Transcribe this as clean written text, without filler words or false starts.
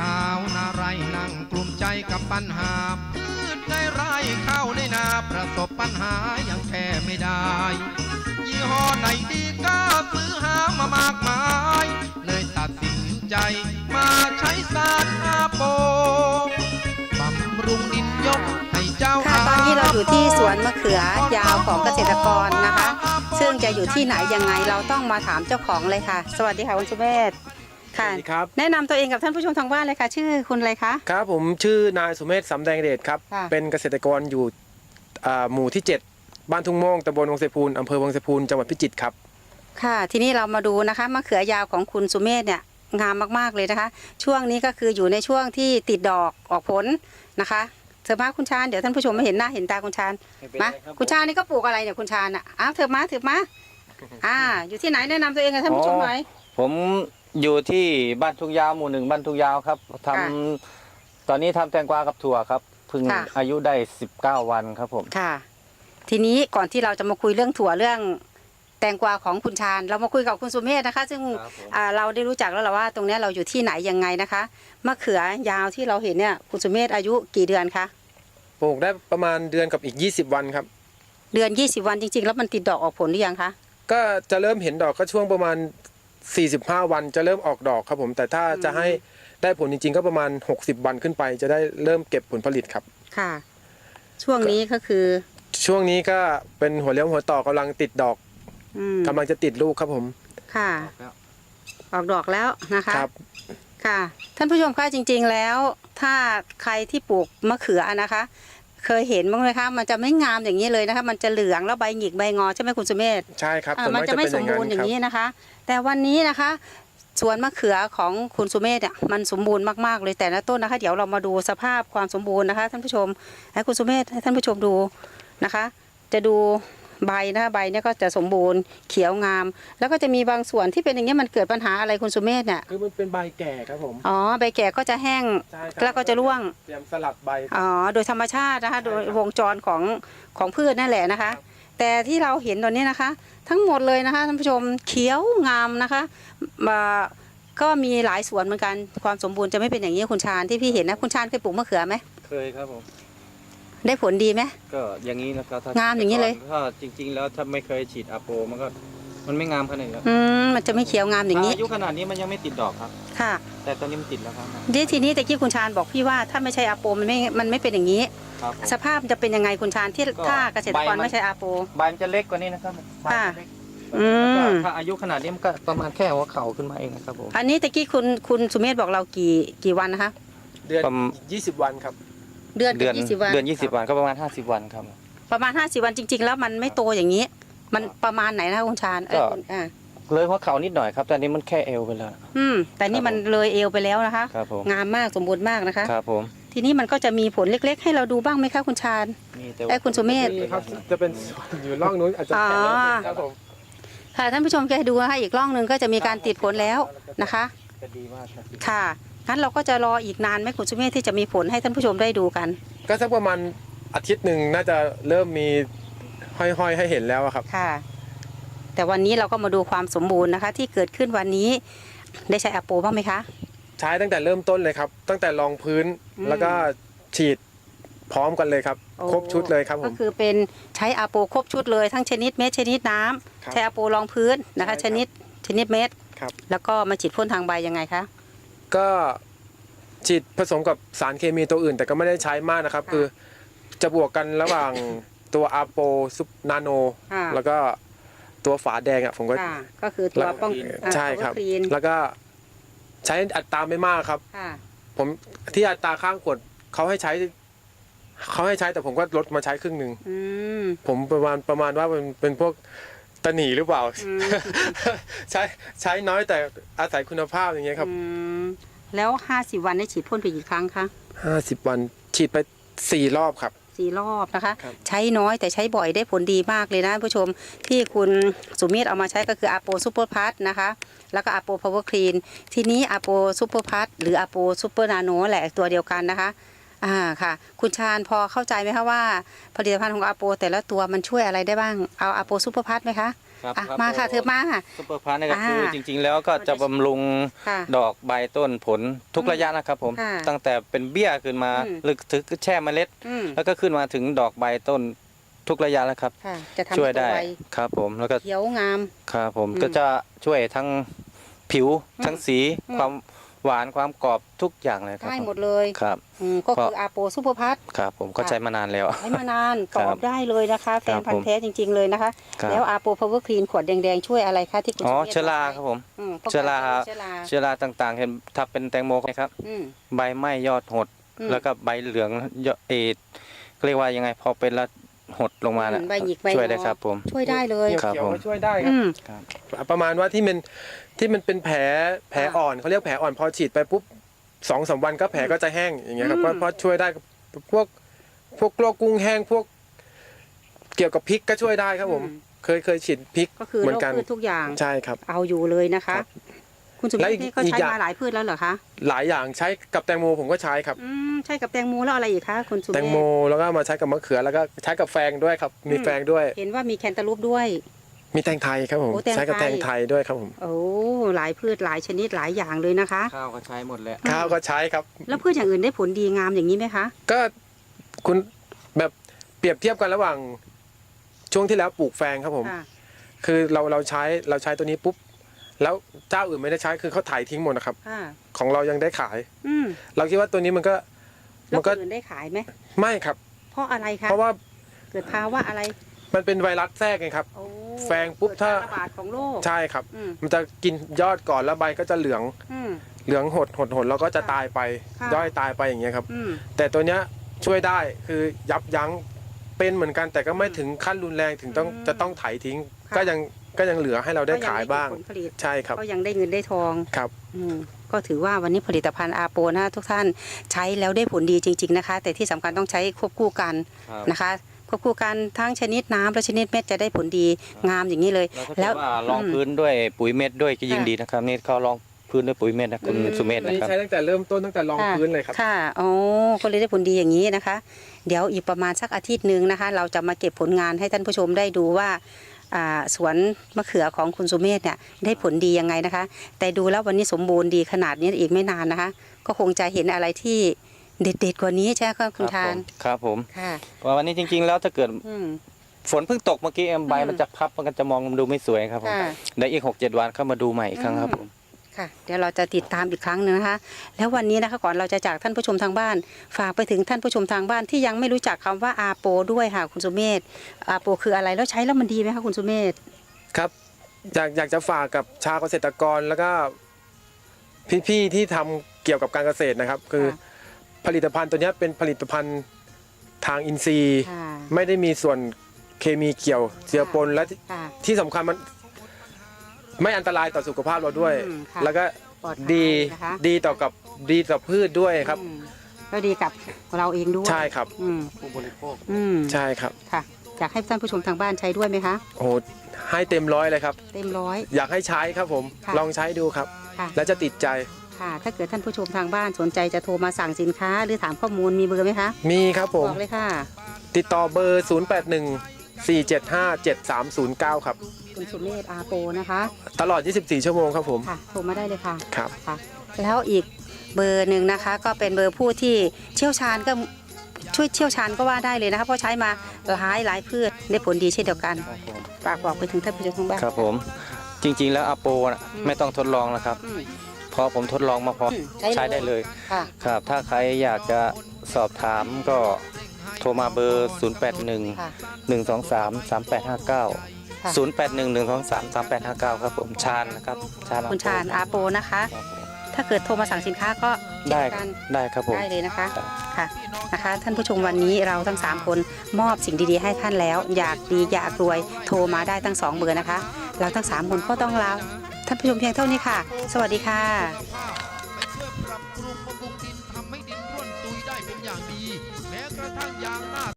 าวนาไรนั่งกลุ่มใจกับปัญหาพืชในไร่ข้าวในนาประสบปัญหายังแก้ไม่ได้ยี่ห้อไหนดีก็ซื้อหามามากมายเลยตัดสินใจมาใช้สารอาโปบำรุงดินยกให้เจ้าค่ะตอนนี้เราอยู่ที่สวนมะเขือยาวของเกษตรกรนะคะซึ่งจะอยู่ที่ไหนยังไงเราต้องมาถามเจ้าของเลยค่ะสวัสดีค่ะคุณสุเมธค่ะแนะนำตัวเองกับท่านผู้ชมทางบ้านเลยค่ะชื่อคุณอะไรคะครับผมชื่อนายสุเมธสำแดงเดชครับเป็นเกษตรกรอยู่หมู่ที่7บ้านทุ่งโม่งตำบลวังไสพูนอำเภอวังไสพูนจังหวัดพิจิตรครับค่ะทีนี้เรามาดูนะคะมะเขือยาวของคุณสุเมธเนี่ยงามมากๆเลยนะคะช่วงนี้ก็คืออยู่ในช่วงที่ติดดอกออกผลนะคะเธอมาคุณชาญเดี๋ยวท่านผู้ชมไม่เห็นหน้าเห็นตาคุณชาญมาคุณชาญนี่ก็ปลูกอะไรเนี่ยคุณชาญอ่ะอ้าวเธอมาอยู่ที่ไหนแนะนำตัวเองกับท่านผู้ชมหน่อยผมอยู่ที่บ้านทุ่งยาวหมู่1บ้านทุ่งยาวครับตอนนี้ทำแตงกวากับถั่วครับเพิ่งอายุได้19 วันครับผมค่ะทีนี้ก่อนที่เราจะมาคุยเรื่องถั่วเรื่องแตงกวาของคุณชาญเรามาคุยกับคุณสุเมธนะคะซึ่งเราได้รู้จักแล้วแหละว่าตรงนี้เราอยู่ที่ไหนยังไงนะคะมะเขือยาวที่เราเห็นเนี่ยคุณสุเมธอายุกี่เดือนคะปลูกได้ประมาณเดือนกับอีก20 วันครับเดือน20 วันจริงๆแล้วมันติดดอกออกผลหรือยังคะก็จะเริ่มเห็นดอกก็ช่วงประมาณ45 วันจะเริ่มออกดอกครับผมแต่ถ้าจะให้ได้ผลจริงๆก็ประมาณ60 วันขึ้นไปจะได้เริ่มเก็บผลผลิตครับค่ะช่วงนี้ก็คือช่วงนี้ก็เป็นหัวเลี้ยวหัวต่อกำลังติดดอกกำลังจะติดลูกครับผมค่ะออกดอกแล้วนะคะครับค่ะท่านผู้ชมคะจริงๆแล้วถ้าใครที่ปลูกมะเขือนะคะเคยเห็นบ้างไหมคะมันจะไม่งามอย่างนี้เลยนะคะมันจะเหลืองแล้วใบหงิกใบงอใช่ไหมคุณสุเมธใช่ครับมันจะไม่สมบูรณ์อย่างนี้นะคะแต่วันนี้นะคะสวนมะเขือของคุณสุเมธเนี่ยมันสมบูรณ์มากๆเลยแต่ละต้นนะคะเดี๋ยวเรามาดูสภาพความสมบูรณ์นะคะท่านผู้ชมให้คุณสุเมธให้ท่านผู้ชมดูนะคะจะดูใบนะใบเนี่ยก็จะสมบูรณ์เขียวงามแล้วก็จะมีบางส่วนที่เป็นอย่างนี้มันเกิดปัญหาอะไรคุณสุเมธเนี่ยคือมันเป็นใบแก่ครับผมอ๋อใบแก่ก็จะแห้งแล้วก็จะร่วงเตรียมสลัดใบอ๋อโดยธรรมชาตินะคะโดยวงจรของพืชนั่นแหละนะคะแต่ที่เราเห็นตอนนี้นะคะทั้งหมดเลยนะคะท่านผู้ชมเขียวงามนะคะก็มีหลายสวนเหมือนกันความสมบูรณ์จะไม่เป็นอย่างนี้คุณชาญที่พี่เห็นนะคุณชาญเคยปลูกมะเขือไหมเคยครับผมได้ผลดีไหมก็อย่างนี้นะครับงามอย่างนี้เลยถ้าจริงๆแล้วถ้าไม่เคยฉีดอาโปมันไม่งามขนาดนี้ครับมันจะไม่เขียวงามอย่างนี้อายุขนาดนี้มันยังไม่ติดดอกครับค่ะแต่ตอนนี้มันติดแล้วครับทีนี้แต่ที่คุณชาญบอกพี่ว่าถ้าไม่ใช่อาโปมันไม่เป็นอย่างนี้สภาพจะเป็นยังไงคุณชาญที่ถ้าเกษตรกรไม่ใช่อาโปใบมันจะเล็กกว่านี้นะครับค่ะถ้าอายุขนาดนี้มันก็ประมาณแค่หัวเข่าขึ้นมาเองครับผมอันนี้ตะกี้คุณสุเมธบอกเรากี่วันนะคะเดือน20 วันครับเดือน20 วันเดือน20 วันก็ประมาณ50 วันครับประมาณ50 วันจริงๆแล้วมันไม่โตอย่างนี้มันประมาณไหนนะคุณชาญเลยหัวเข่านิดหน่อยครับแต่นี้มันแค่เอวไปแล้วแต่นี่มันเลยเอวไปแล้วนะคะครับผมงามมากสมบูรณ์มากนะคะครับผมทีนี้มันก็จะมีผลเล็กๆให้เราดูบ้างไหมคะคุณชาญคุณสุเมธจะเป็นอยู่ร่องนู้นอาจจะครับผมค่ะท่านผู้ชมแกดูนะคะอีกร่องหนึ่งก็จะมีการติดผลแล้วนะคะค่ะงั้นเราก็จะรออีกนานไหมคุณสุเมธที่จะมีผลให้ท่านผู้ชมได้ดูกันก็สักประมาณอาทิตย์หนึ่งน่าจะเริ่มมีห้อยๆให้เห็นแล้วครับค่ะแต่วันนี้เราก็มาดูความสมบูรณ์นะคะที่เกิดขึ้นวันนี้ได้ใช้อาโปบ้างไหมคะใช้ตั้งแต่เริ่มต้นเลยครับตั้งแต่รองพื้นแล้วก็ฉีดพร้อมกันเลยครับครบชุดเลยครับผมก็คือเป็นใช้อาโปครบชุดเลยทั้งชนิดเม็ดชนิดน้ำใช้อาโปรองพื้นนะคะชนิดเม็ดแล้วก็มาฉีดพ่นทางใบยังไงคะก็ฉีดผสมกับสารเคมีตัวอื่นแต่ก็ไม่ได้ใช้มากนะครับคือจะบวกกันระหว่างตัวอาโปซุปนาโนแล้วก็ตัวฝาแดงอ่ะผมก็คือตัวป้องใช่ครับแล้วก็ใช้อัตราไม่มากครับผมที่อัตราข้างขวดเขาให้ใช้แต่ผมก็ลดมาใช้ครึ่งหนึ่งผมประมาณว่ามันเป็นพวกตะหนีหรือเปล่าใช้น้อยแต่อาศัยคุณภาพอย่างเงี้ยครับแล้ว50 วันได้ฉีดพ่นไปกี่ครั้งคะ 50 วันฉีดไป4 รอบครับ 4 รอบนะคะใช้น้อยแต่ใช้บ่อยได้ผลดีมากเลยนะผู้ชมที่คุณสุเมธเอามาใช้ก็คืออาโปซูเปอร์พัทนะคะแล้วก็อาโปพาวเวอร์คลีนทีนี้อาโปซูเปอร์พัทหรืออาโปซูเปอร์นาโนแหละตัวเดียวกันนะคะค่ะคุณชาญพอเข้าใจไหมคะว่าผลิตภัณฑ์ของอาโปแต่ละตัวมันช่วยอะไรได้บ้างเอาอาโปซูเปอร์พัทไหมคะครับอ่ะครับมาค่ะเธอมาค่ะซุปเปอร์พลัสนี่ก็คือจริงๆแล้วก็จะบำรุงค่ะดอกใบต้นผลทุกระยะนะครับผมค่ะตั้งแต่เป็นเบี้ยขึ้นมาอืมหรือถึงแช่เมล็ดอืมแล้วก็ขึ้นมาถึงดอกใบต้นทุกระยะแล้วครับค่ะ จะทำช่วยให้ได้ตัวไวครับผมแล้วก็เขียวงามครับผมอืมก็จะช่วยทั้งผิวอืมทั้งสีอืมความหวานความกรอบทุกอย่างเลยครับได้ผหมดเลยครับก็คืออาโปซูเปอร์พัทครับผมก็ค่ะใช้มานานแล้วใช้มานานครัตบอบได้เลยนะคะแฟนพันผมธุ์แท้จริง ๆเลยนะคะครับแล้วอาโปพาวเวอร์คลีนขวดแดงๆช่วยอะไรคะที่คุณอ๋อสุมธเชื้อราบกไปครับผมป้งกันเชื้อราเชื้อราเชื้อราต่างๆ เห็นถ้าเป็นแตงโมนะครับอืมใบไหม้ยอดหดอืมแล้วก็ใบเหลืองยอดเรียกว่ายังไงพอเป็นแล้วหดลงมาน่ะใบหยิกใบช่วยงอได้ครับผมช่วยได้เลยเขียวครับผมก็ช่วยได้ครัอืบมประมาณว่าที่มันเป็นแผลอ่อนเขาเรียกแผลอ่อนพอฉีดไปปุ๊บ2-3 วันก็แผลก็จะแห้งอย่างเงี้ยครับอืมก็ช่วยได้พวกโรคกุ้งแห้งพวกเกี่ยวกับพริกก็ช่วยได้ครับผม เคยฉีดพริกก็คือเหมืโรอนคกันพืชทุกอย่างใช่ครับเอาอยู่เลยนะคะครับคุณสุมและธอีกนี่ก็อีกใช้อย่างมาหลายพืชแล้วเหรอคะหลายอย่างใช้กับแตงโมผมก็ใช้ครับใช่กับแตงโมแล้วอะไรอีกคะคุณสุมแตงโมแล้วก็มาใช้กับมะเขือแล้วก็ใช้กับแฟงด้วยครับ มีแฟงด้วยเห็นว่ามีแคนตาลูปด้วยมีแตงไทยครับผมโอ้แตงไทยใช้กับแตงไทยด้วยครับผมโอ้หลายพืชหลายชนิดหลายอย่างเลยนะคะข้าวก็ใช้หมดแล้วข้าวก็ใช้ครับแล้วพืชอย่างอื่นได้ผลดีงามอย่างนี้ไหมคะก็คุณแบบเปรียบเทียบกันระหว่างช่วงที่แล้วปลูกแฟงครับผมค่ะคือเราใช้ตัวนี้ปุ๊บแล้วเจ้าอื่นไม่ได้ใช้คือเขาถ่ายทิ้งหมดนะครับค่ะของเรายังได้ขายอืมเราคิดว่าตัวนี้มันก็แล้วคนอื่นได้ขายไหมไม่ครับเพราะอะไรคะเพราะว่าเกิดภาวะอะไรมันเป็นไวรัสแทรกไงครับโอ้แฟงปุ๊บเกิดถ้ากรระบาดของโรคใช่ครับอืมมันจะกินยอดก่อนแล้วใบก็จะเหลืองอืมหดแล้วก็จะตายไปค่ะย่อยตายไปอย่างเงี้ยครับอืมแต่ตัวเนี้ยช่วยได้คือยับยั้งเป็นเหมือนกันแต่ก็ไม่ถึงขั้นรุนแรงถึงอืมจะต้องไถทิ้งค่ะก็ยังเหลือให้เราได้ขายบ้างก็ยังได้ผลผลิตใช่ครับก็ยังได้เงินได้ทองครับก็ถือว่าวันนี้ผลิตภัณฑ์อาโปนะทุกท่านใช้แล้วได้ผลดีจริง ๆนะคะ แต่ที่สำคัญต้องใช้ควบคู่กันครับนะคะควบคู่กันทั้งชนิดน้ำและชนิดเม็ดจะได้ผลดีงามอย่างนี้เลยแล้วถ้าเกิดว่าลองพื้นด้วยปุ๋ยเม็ดด้วยก็ยิ่งค่ะดีนะครับนี่เขาลองพื้นด้วยปุ๋ยเม็ดนะคุณอืมสุเมธอันนะนี้ครับใช้ตั้งแต่เริ่มต้นตั้งแต่รองพื้นเลยครับค่ะอ๋อก็เลยได้ผลดีอย่างนี้นะคะ เดี๋ยวอีกประมาณสักอาทิตย์หนึ่งนะคะ เราจะมาเก็บผลงานให้ท่านผู้ชมได้ดูว่าสวนมะเขือของคุณสุเมธเนี่ยได้ผลดียังไงนะคะ แต่ดูแล้ววันนี้สมบูรณ์ดีขนาดนี้อีกไม่นานนะคะ ก็คงจะเห็นอะไรที่เด็ดๆกว่านี้ใช่ไหมคะคุณทานครับผมค่ะเพราะวันนี้จริงๆแล้วถ้าเกิดอืมฝนเพิ่งตกเมื่อกี้ใบมันจะพับมันก็จะมองดูไม่สวยครับผมค่ะเดี๋ยวอีก 6-7 วันเข้ามาดูใหม่อีกครั้งครับผมค่ะเดี๋ยวเราจะติดตามอีกครั้งหนึงนะคะ แล้ววันนี้นะคะก่อนเราจะจากท่านผู้ชมทางบ้าน ฝากไปถึงท่านผู้ชมทางบ้านที่ยังไม่รู้จักคำว่าอาโปด้วยค่ะคุณสุเมธอาโปคืออะไรแล้วใช้แล้วมันดีไหมคะคุณสุเมธครับอยากจะฝากกับชาวเกษตรกรแล้วก็พี่ๆที่ทำเกี่ยวกับการเกษตรนะครับ คือผลิตภัณฑ์ตัวเนี้ยเป็นผลิตภัณฑ์ทางอินทรีย์ค่ะไม่ได้มีส่วนเคมีเกี่ยวเจือปนและค่ะที่สำคัญมันไม่อันตรายต่อสุขภาพเราด้วยอืมค่ะแล้วก็ปลอดภัยดีนะคะดีต่อพืชด้วยครับอืมก็ดีกับเราเองด้วยใช่ครับอืมผู้บริโภคอืมใช่ครับค่ะอยากให้ท่านผู้ชมทางบ้านใช้ด้วยไหมคะโอ้โหให้เต็มร้อยเลยครับเต็มร้อยอยากให้ใช้ครับผมค่ะลองใช้ดูครับค่ะแล้วจะติดใจค่ะ ถ้าเกิดท่านผู้ชมทางบ้านสนใจจะโทรมาสั่งสินค้า หรือถามข้อมูลมีเบอร์ไหมคะมีครับผมบอกเลยค่ะติดต่อเบอร์ 0814757309 ครับคุณสุเมธอาโปนะคะตลอด 24 ชั่วโมงครับผมค่ะโทรมาได้เลยค่ะครับค่ะ แล้วอีกเบอร์หนึ่งนะคะ ก็เป็นเบอร์ผู้ที่เชี่ยวชาญก็ช่วยเชี่ยวชาญก็ว่าได้เลยนะคะเพราะใช้มาหลายพืชได้ผลดีเช่นเดียวกันครับผมฝากบอกไปถึงท่านผู้ชมทางบ้านครับผมจริงๆแล้วอาโปนะอืมไม่ต้องทดลองนะครับอืมเพราะผมทดลองมาพออืมใช้ได้เลยค่ะครับถ้าใครอยากจะสอบถามก็โทรมาเบอร์ 081 ค่ะ 123 3859 ค่ะ 081 123 3859 ครับผมชาญนะครับชาญคุณชาญอาโปนะคะครับผมถ้าเกิดโทรมาสั่งสินค้าก็ได้เช่นกันได้ครับผมได้เลยนะคะครับค่ะนะคะ ท่านผู้ชมวันนี้เราทั้ง 3 คนมอบสิ่งดีๆให้ท่านแล้ว อยากดีอยากรวยโทรมาได้ทั้ง 2 เบอร์นะคะ เราทั้ง 3 คนก็ต้องลาท่านผู้ชมเพียงเท่านี้ค่ะ สวัสดีค่ะ